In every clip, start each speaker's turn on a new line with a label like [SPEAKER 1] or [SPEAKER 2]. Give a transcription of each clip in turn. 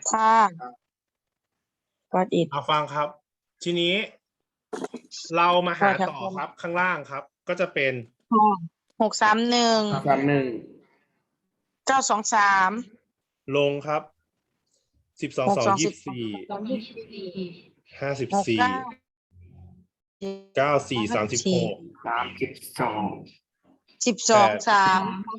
[SPEAKER 1] ค่ะก็อิด
[SPEAKER 2] เอาฟังครับ ทีนี้เรามาหาต่อครับข้างล่างครับ ก็จะเป็น
[SPEAKER 1] 631 923
[SPEAKER 2] ลงครับ12 2 24 54 94 36
[SPEAKER 1] 12 3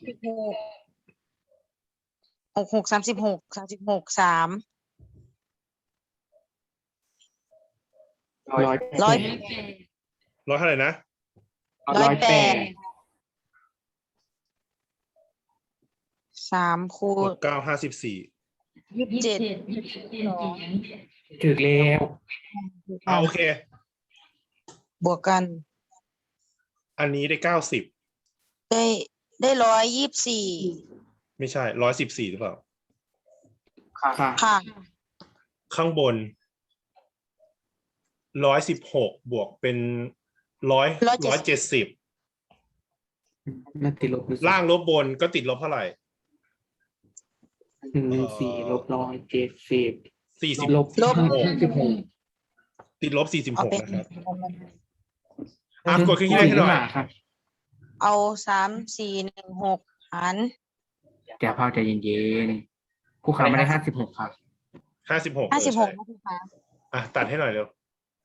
[SPEAKER 1] 66 36 36 3 100
[SPEAKER 2] ร้อยเท่าไหร่นะ
[SPEAKER 1] 108 3คูณ
[SPEAKER 2] 69 54
[SPEAKER 1] 27
[SPEAKER 3] ถึกแล้ว
[SPEAKER 2] โอเค
[SPEAKER 1] บวกกัน
[SPEAKER 2] อันนี้ได้90
[SPEAKER 1] ได้124
[SPEAKER 2] ไม่ใช่114หรือเปล่า
[SPEAKER 3] ค่ะ
[SPEAKER 1] ค่ะ
[SPEAKER 2] ข้างบน116บวกเป็น170
[SPEAKER 3] มันติดลบ
[SPEAKER 2] ล่างลบบนก็ติดลบเท่าไหร่
[SPEAKER 3] 114 ลบ170
[SPEAKER 2] 40
[SPEAKER 3] ลบ
[SPEAKER 1] ลบ
[SPEAKER 3] 56
[SPEAKER 2] ติดลบ
[SPEAKER 1] เอา
[SPEAKER 2] 46
[SPEAKER 1] เป็น
[SPEAKER 2] นะครับกดขึ้นที่ได้ให้หน่อย
[SPEAKER 3] ครับ
[SPEAKER 1] เอา3 4 1 6หาร
[SPEAKER 3] แกเผาใจเย็นๆผู้ค้าไม่ได้56ครับ
[SPEAKER 2] 56
[SPEAKER 1] 56นะคุณคะ
[SPEAKER 2] ตัดให้หน่อยเร็ว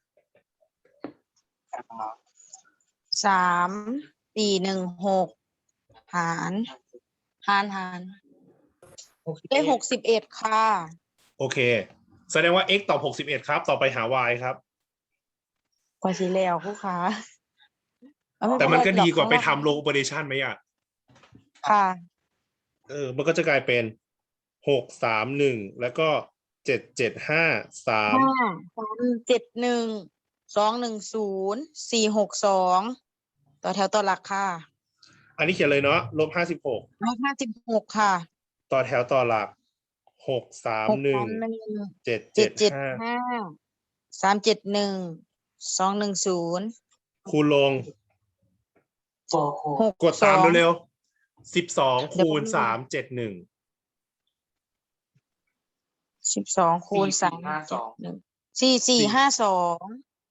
[SPEAKER 1] 3 4 1 6หารได้61ค่ะ
[SPEAKER 2] โอเค แสดงว่า x ตอบ61ครับ ต่อไปหา y ครับ
[SPEAKER 1] กว่าสิแล้วคู่ค้า
[SPEAKER 2] แต่มันก็ดีกว่าไปทำ low operation ไหมอ่ะ
[SPEAKER 1] ค่ะ
[SPEAKER 2] มันก็จะกลายเป็น631แล้วก็775
[SPEAKER 1] 371 210 462ต่อแถวต่อหลักค่ะ
[SPEAKER 2] 3อันนี้เขียนเลยเนาะลบ
[SPEAKER 1] 156ค่ะ
[SPEAKER 2] 56ต่อแถวต่อหลัก631 775
[SPEAKER 1] 371 210
[SPEAKER 2] คูณลง
[SPEAKER 1] 6
[SPEAKER 2] กดตามเร็วๆ12คูณ371
[SPEAKER 1] 12คูณ3 4452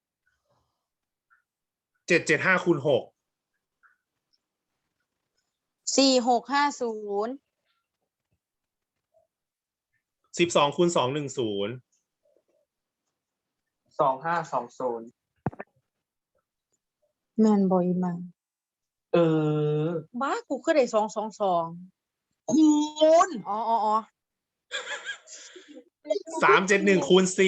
[SPEAKER 2] 775คูณ6
[SPEAKER 1] 4650
[SPEAKER 2] 12คูณ210
[SPEAKER 3] 2520
[SPEAKER 1] แม่นบ่อีมา
[SPEAKER 3] บ้า
[SPEAKER 1] กูคือได้222คูณอ๋อ
[SPEAKER 2] 371คูณ4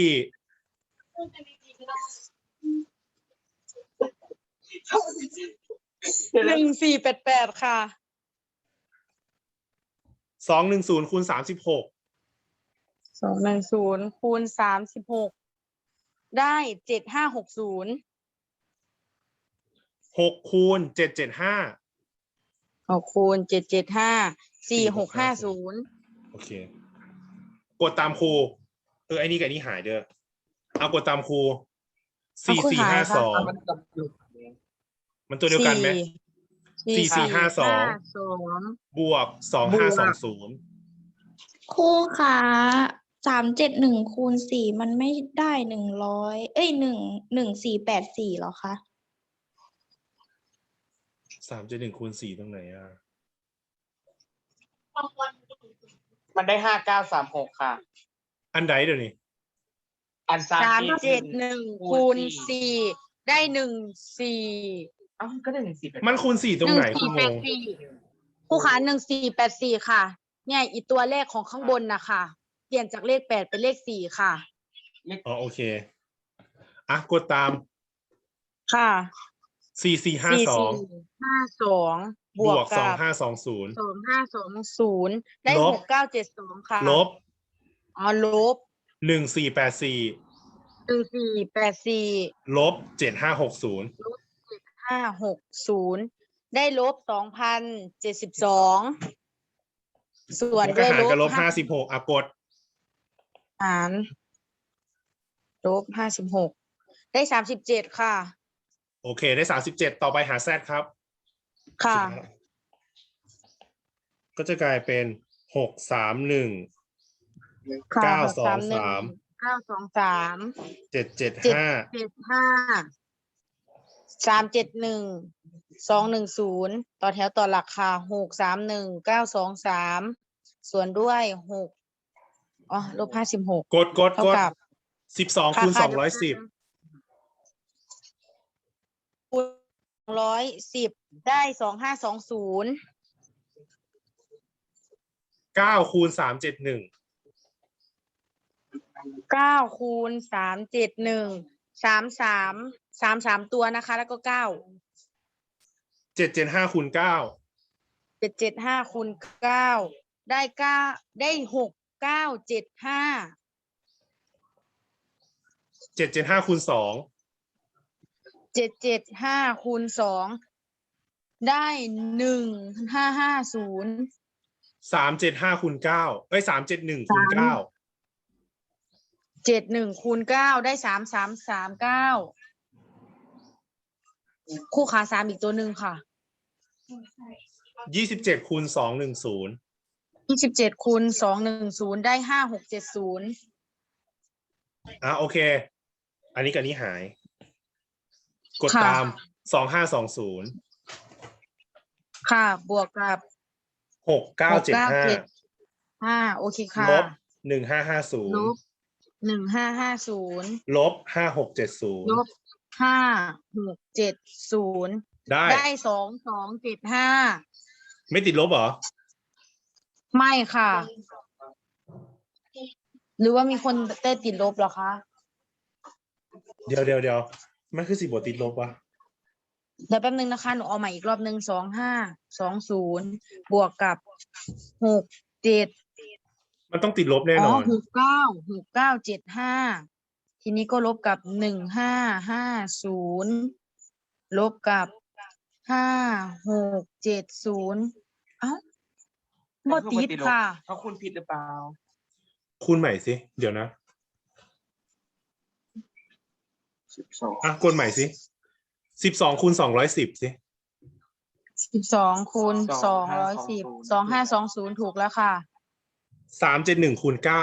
[SPEAKER 1] 1488ค่ะ
[SPEAKER 2] 210คูณ36
[SPEAKER 1] 210คูณ36ได้7560
[SPEAKER 2] 6คูณ775
[SPEAKER 1] 6คูณ775 4650
[SPEAKER 2] โอเค กดตามครูไอ้นี่กับนี่หายเด้อเอากดตามครู4452มันตัวเดียวกันไหม4452บวก2520
[SPEAKER 4] ครูคะ371คูณ4มันไม่ได้100 11484หรอคะ
[SPEAKER 2] 371คูณ4ตรงไหนอ่ะ
[SPEAKER 3] มันได้5936ค่ะ
[SPEAKER 2] อันใดเดี๋ยวนี้
[SPEAKER 3] อัน
[SPEAKER 1] 371คูณ4ได้14
[SPEAKER 3] ก็ได้14
[SPEAKER 2] มันคูณ4ตรงไหนคุณงง
[SPEAKER 1] ผู้ค้า1484ค่ะเนี่ยอีตัวเลขของข้างบนนะคะเปลี่ยนจากเลข8เป็นเลข4ค่ะ
[SPEAKER 2] โอเคกดตาม
[SPEAKER 1] ค่ะ
[SPEAKER 2] 4452
[SPEAKER 1] 52บวกกับ2520ได้6972ค่ะ
[SPEAKER 2] ลบ
[SPEAKER 1] ลบ
[SPEAKER 2] 1484ลบ7560
[SPEAKER 1] ได้ลบ2072ส่วนด้วยลบ
[SPEAKER 2] ลบ56กด
[SPEAKER 1] หารลบ56ได้37ค่ะ
[SPEAKER 2] โอเคได้37ต่อไปหา z ครับ
[SPEAKER 1] ค่ะ
[SPEAKER 2] ก็จะกลายเป็น631
[SPEAKER 1] ค่ะ
[SPEAKER 2] เก้าสอง
[SPEAKER 1] 631
[SPEAKER 2] สาม
[SPEAKER 1] 923
[SPEAKER 2] เจ็ดเจ็ด
[SPEAKER 1] เจ็ด
[SPEAKER 2] ห้า
[SPEAKER 1] เจ็ดห้า371 210ต่อแถวต่อหลักค่ะ631 923ส่วนด้วยลบ56
[SPEAKER 2] กด
[SPEAKER 1] เท่ากับ
[SPEAKER 2] 12 คูณ 210
[SPEAKER 1] คูณ210ได้2520
[SPEAKER 2] 9 คูณ 371
[SPEAKER 1] 9คูณ371 33ตัวนะคะ แล้วก็9
[SPEAKER 2] 775 คูณ 9
[SPEAKER 1] 775คูณ9ได้9ได้6975
[SPEAKER 2] 775 คูณ
[SPEAKER 1] 775คูณ2ได้1550
[SPEAKER 2] 2 375 คูณ 9 เอ้ย 371 คูณ 9
[SPEAKER 1] 71คูณ9ได้3339คู่ขา3อีกตัวหนึ่งค่ะ
[SPEAKER 2] 27 คูณ 210
[SPEAKER 1] 27คูณ210ได้5670
[SPEAKER 2] โอเค อันนี้กับนี้หาย กด
[SPEAKER 1] ค่ะ
[SPEAKER 2] ตาม 2520
[SPEAKER 1] ค่ะบวกกับ
[SPEAKER 2] 6975
[SPEAKER 1] โอเคค่ะ
[SPEAKER 2] ลบ
[SPEAKER 1] ล
[SPEAKER 2] 1550
[SPEAKER 1] บ1550
[SPEAKER 2] ลบ 5670
[SPEAKER 1] ลบ5670
[SPEAKER 2] ได้
[SPEAKER 1] ได้2275
[SPEAKER 2] ไม่ติดลบเหรอ
[SPEAKER 1] ไม่ค่ะ หรือว่ามีคนได้ติดลบเหรอคะ
[SPEAKER 2] เดี๋ยว มันคือ10 บวกติดลบวะ
[SPEAKER 1] เดี๋ยวแป๊บนึงนะคะ หนูเอาใหม่อีกรอบหนึ่ง2520บวกกับ67
[SPEAKER 2] มันต้องติดลบแน่นอน
[SPEAKER 1] 6975ทีนี้ก็ลบกับ1550ลบกับ5670บ่ติดค่ะ
[SPEAKER 3] เขาคุณผิดหรือเปล่า
[SPEAKER 2] คูณใหม่สิ เดี๋ยวนะ กดใหม่สิ 12 คูณ 210 สิ
[SPEAKER 1] 12คูณ210 2520ถูกแล้วค่ะ
[SPEAKER 2] 371 คูณ 9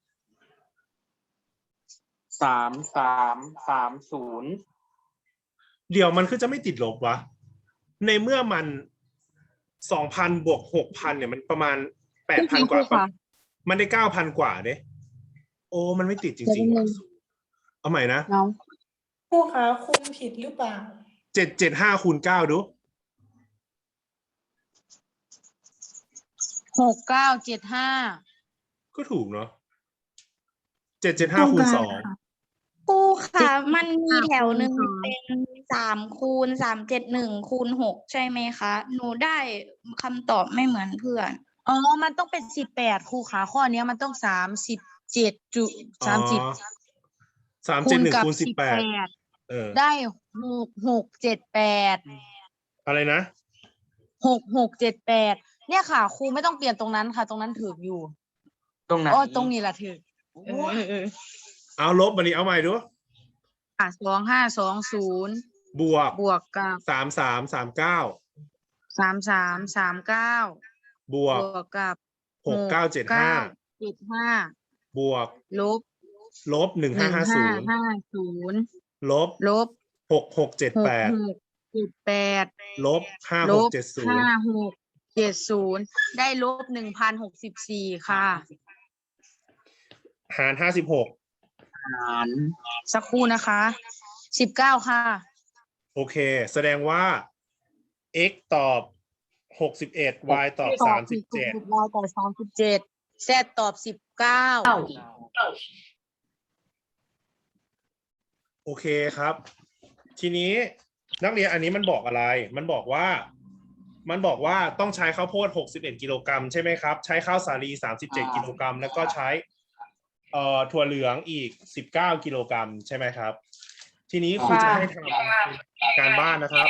[SPEAKER 3] 3330
[SPEAKER 2] เดี๋ยวมันคือจะไม่ติดลบวะ ในเมื่อมัน 2,000 บวก 6,000 เนี่ยมันประมาณ 8,000 กว่า
[SPEAKER 1] ค่ะ
[SPEAKER 2] มันได้ 9,000 กว่าเด้โอ้ มันไม่ติดจริงๆว่ะเอาใหม่นะ
[SPEAKER 1] น้อง
[SPEAKER 5] ครูคะคุมผิดหรือเปล่า
[SPEAKER 2] 775 คูณ 9 ดู
[SPEAKER 1] 6975
[SPEAKER 2] ก็ถูกเนาะ 775 คูณ 2
[SPEAKER 4] ครูคะมันมีแถวหนึ่งเป็น3คูณ371คูณ6ใช่ไหมคะ หนูได้คำตอบไม่เหมือนเพื่อน
[SPEAKER 1] มันต้องเป็น18ครูขาข้อเนี้ยมันต้อง37จุ30คูณกับ
[SPEAKER 2] 371 คูณ 18
[SPEAKER 1] ได้6678
[SPEAKER 2] อะไรนะ
[SPEAKER 1] 6678เนี่ยค่ะครูไม่ต้องเปลี่ยนตรงนั้นค่ะ ตรงนั้นถูกอยู่
[SPEAKER 3] ตรงไหน
[SPEAKER 1] ตรงนี้แหละถูก
[SPEAKER 2] เอาลบมาดิเอาใหม่ดู
[SPEAKER 1] 2520
[SPEAKER 2] บวก
[SPEAKER 1] บวกกับ
[SPEAKER 2] 3339
[SPEAKER 1] 3339
[SPEAKER 2] บวก
[SPEAKER 1] บวกกับ
[SPEAKER 2] 6975
[SPEAKER 1] 75
[SPEAKER 2] บวก
[SPEAKER 1] ลบ
[SPEAKER 2] ลบ 1550
[SPEAKER 1] 1550
[SPEAKER 2] ลบ
[SPEAKER 1] ลบ
[SPEAKER 2] 6678
[SPEAKER 1] 6678
[SPEAKER 2] ลบ
[SPEAKER 1] ลบ
[SPEAKER 2] 5670
[SPEAKER 1] 5670ได้ลบ1064ค่ะ
[SPEAKER 2] หาร56
[SPEAKER 1] สักครู่นะคะ19ค่ะ
[SPEAKER 2] โอเค แสดงว่า x ตอบ 61 y ตอบ 37
[SPEAKER 1] y ตอบ37 z ตอบ19
[SPEAKER 2] โอเคครับ ทีนี้นักเรียนอันนี้มันบอกอะไร มันบอกว่าต้องใช้ข้าวโพด61 กิโลกรัมใช่ไหมครับ ใช้ข้าวสาลี37 กิโลกรัมแล้วก็ใช้ถั่วเหลืองอีก19 กิโลกรัมใช่ไหมครับ ทีนี้ครูจะให้ทำการบ้านนะครับ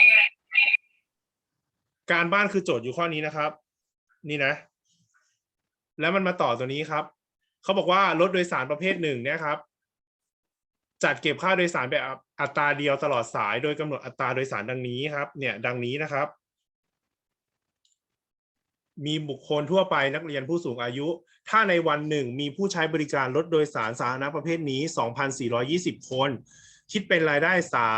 [SPEAKER 2] การบ้านคือโจทย์อยู่ข้อนี้นะครับ นี่นะ แล้วมันมาต่อตัวนี้ครับเขาบอกว่ารถโดยสารประเภทหนึ่งเนี่ยครับ จัดเก็บค่าโดยสารแบบอัตราเดียวตลอดสายโดยกำหนดอัตราโดยสารดังนี้ครับ เนี่ยดังนี้นะครับมีบุคคลทั่วไปนักเรียนผู้สูงอายุ ถ้าในวันหนึ่งมีผู้ใช้บริการรถโดยสารสาธารณะประเภทนี้ 2,420 คน คิดเป็นรายได้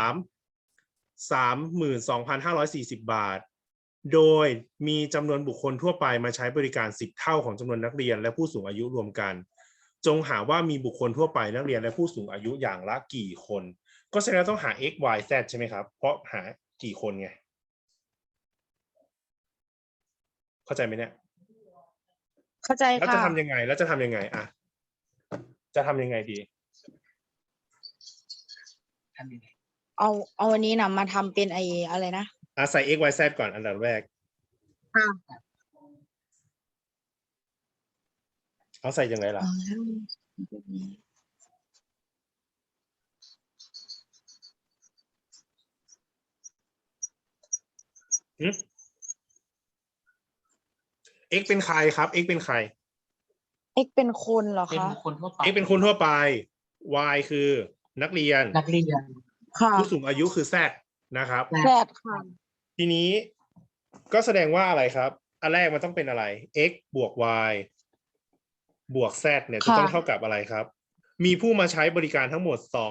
[SPEAKER 2] 32,540 บาท โดยมีจำนวนบุคคลทั่วไปมาใช้บริการ10เท่าของจำนวนนักเรียนและผู้สูงอายุรวมกัน จงหาว่ามีบุคคลทั่วไปนักเรียนและผู้สูงอายุอย่างละกี่คน ก็แสดงว่าต้องหา x y z ใช่ไหมครับ เพราะหากี่คนไง เข้าใจไหมเนี่ย
[SPEAKER 1] เข้าใจ
[SPEAKER 2] แล้ว
[SPEAKER 1] ค่ะ
[SPEAKER 2] จะทำยังไง แล้วจะทำยังไงอ่ะจะทำยังไงดี
[SPEAKER 3] ทำยังไง
[SPEAKER 1] เอาอันนี้นะมาทำเป็นอะไรนะ
[SPEAKER 2] ใส่ x y z ก่อนอันดับแรก
[SPEAKER 1] ค่ะ
[SPEAKER 2] เอาใส่ยังไงล่ะ x เป็นใครครับ x เป็นใคร
[SPEAKER 1] x เป็นคนเหรอ
[SPEAKER 3] เป็น
[SPEAKER 1] คะ
[SPEAKER 3] บุคคลทั่วไป
[SPEAKER 2] x เป็นคนทั่วไป y คือนักเรียน
[SPEAKER 3] นักเรียน
[SPEAKER 1] ค่ะ
[SPEAKER 2] ผู้สูงอายุคือ z นะครับ
[SPEAKER 1] แซดค่ะ
[SPEAKER 2] ทีนี้ก็แสดงว่าอะไรครับ อันแรกมันต้องเป็นอะไร x บวก y บวก z เนี่ยจะต้อง
[SPEAKER 1] ค่ะ
[SPEAKER 2] เท่ากับอะไรครับ มีผู้มาใช้บริการทั้งหมด 2,400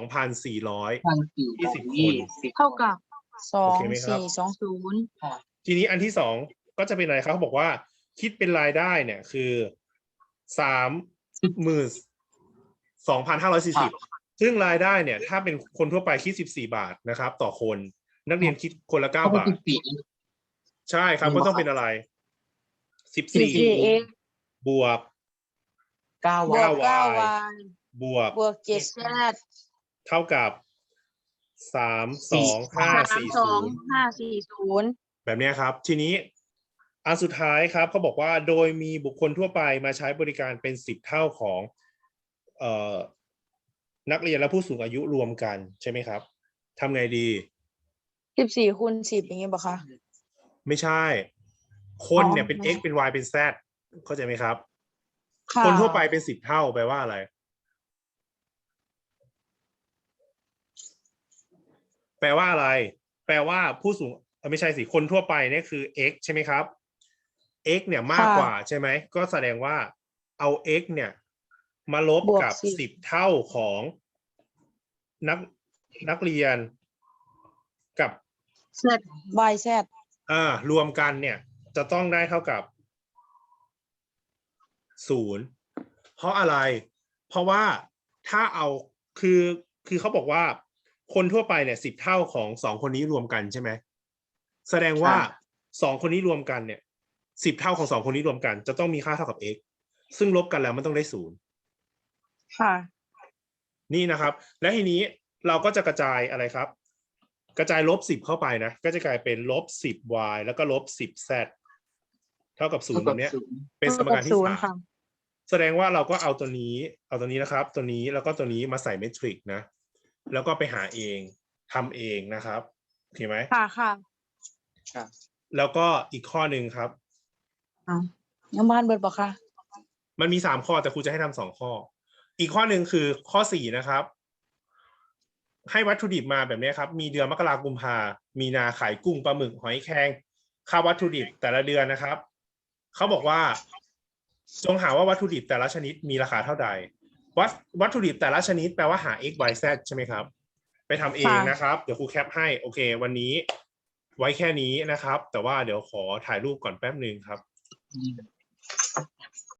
[SPEAKER 1] เท่ากับสอ
[SPEAKER 2] โอง เคไหมครับ
[SPEAKER 1] 420
[SPEAKER 2] ทีนี้อันที่สองก็จะเป็นอะไรครับเขาบอกว่าคิดเป็นรายได้เนี่ยคือ32,540 ซึ่งรายได้เนี่ยถ้าเป็นคนทั่วไปคิด14 บาทนะครับ ต่อคน นักเรียนคิดคนละ 9 บาท ใช่ครับก็ต้องเป็นอะไร14
[SPEAKER 1] 14x
[SPEAKER 2] บวก
[SPEAKER 1] บวก
[SPEAKER 2] 9y
[SPEAKER 1] 9y
[SPEAKER 2] บวก
[SPEAKER 1] บวก 7z
[SPEAKER 2] เท่ากับ 32540
[SPEAKER 1] 32540
[SPEAKER 2] แบบเนี้ยครับ ทีนี้อันสุดท้ายครับเขาบอกว่าโดยมีบุคคลทั่วไปมาใช้บริการเป็น10 เท่าของนักเรียนและผู้สูงอายุรวมกันใช่ไหมครับทำไงดี
[SPEAKER 1] 14คูณ10อย่างงี้ป่ะคะ
[SPEAKER 2] ไม่ใช่ คนเนี่ย
[SPEAKER 1] อ๋อ
[SPEAKER 2] เป็น x เป็น y เป็น z เข้าใจไหมครับ
[SPEAKER 1] ค่ะ
[SPEAKER 2] คนทั่วไปเป็น10 เท่าแปลว่าอะไร แปลว่าอะไร แปลว่าผู้สูงไม่ใช่สิคนทั่วไปเนี่ยคือ x ใช่ไหมครับ x เนี่ยมากกว่าใช่ไหมก็แสดงว่าเอา x เนี่ยมาลบกับ 10 เท่าของนักเรียนกับ
[SPEAKER 1] z y z
[SPEAKER 2] รวมกันเนี่ยจะต้องได้เท่ากับ0เพราะอะไร เพราะว่าถ้าเอาคือเขาบอกว่าคนทั่วไปเนี่ย10 เท่าของ2 คนนี้รวมกันใช่ไหมแสดงว่า2 คนนี้รวมกันเนี่ย10 เท่าของ2 คนนี้รวมกันจะต้องมีค่าเท่ากับ x ซึ่งลบกันแล้วมันต้องได้0
[SPEAKER 1] ค่ะ
[SPEAKER 2] นี่นะครับ และทีนี้เราก็จะกระจายอะไรครับ กระจาย-10เข้าไปนะก็จะกลายเป็น-10y แล้วก็-10z เท่ากับ0แบบเนี้ยเป็นสมการที่
[SPEAKER 1] ศูนย์ค่ะ
[SPEAKER 2] 3แสดงว่าเราก็เอาตัวนี้นะครับ ตัวนี้แล้วก็ตัวนี้มาใส่เมทริกนะแล้วก็ไปหาเองทำเองนะครับโอเคไหม
[SPEAKER 1] ค่ะค่ะ
[SPEAKER 2] แล้วก็อีกข้อหนึ่งครับ
[SPEAKER 1] ยังบ้านเบิดป่ะคะ
[SPEAKER 2] มันมี3 ข้อแต่ครูจะให้ทำ2 ข้อ อีกข้อหนึ่งคือข้อ4นะครับ ให้วัตถุดิบมาแบบนี้ครับ มีเดือนมกราคมกุมภามีนาขายกุ้งปลาหมึกหอยแครงค่าวัตถุดิบแต่ละเดือนนะครับเขาบอกว่าจงหาว่าวัตถุดิบแต่ละชนิดมีราคาเท่าใดวัตถุดิบแต่ละชนิดแปลว่าหา x y z ใช่ไหมครับ ไปทำเองนะครับเดี๋ยวครูแคปให้โอเควันนี้ไว้แค่นี้นะครับ แต่ว่าเดี๋ยวขอถ่ายรูปก่อนแป๊บนึงครับ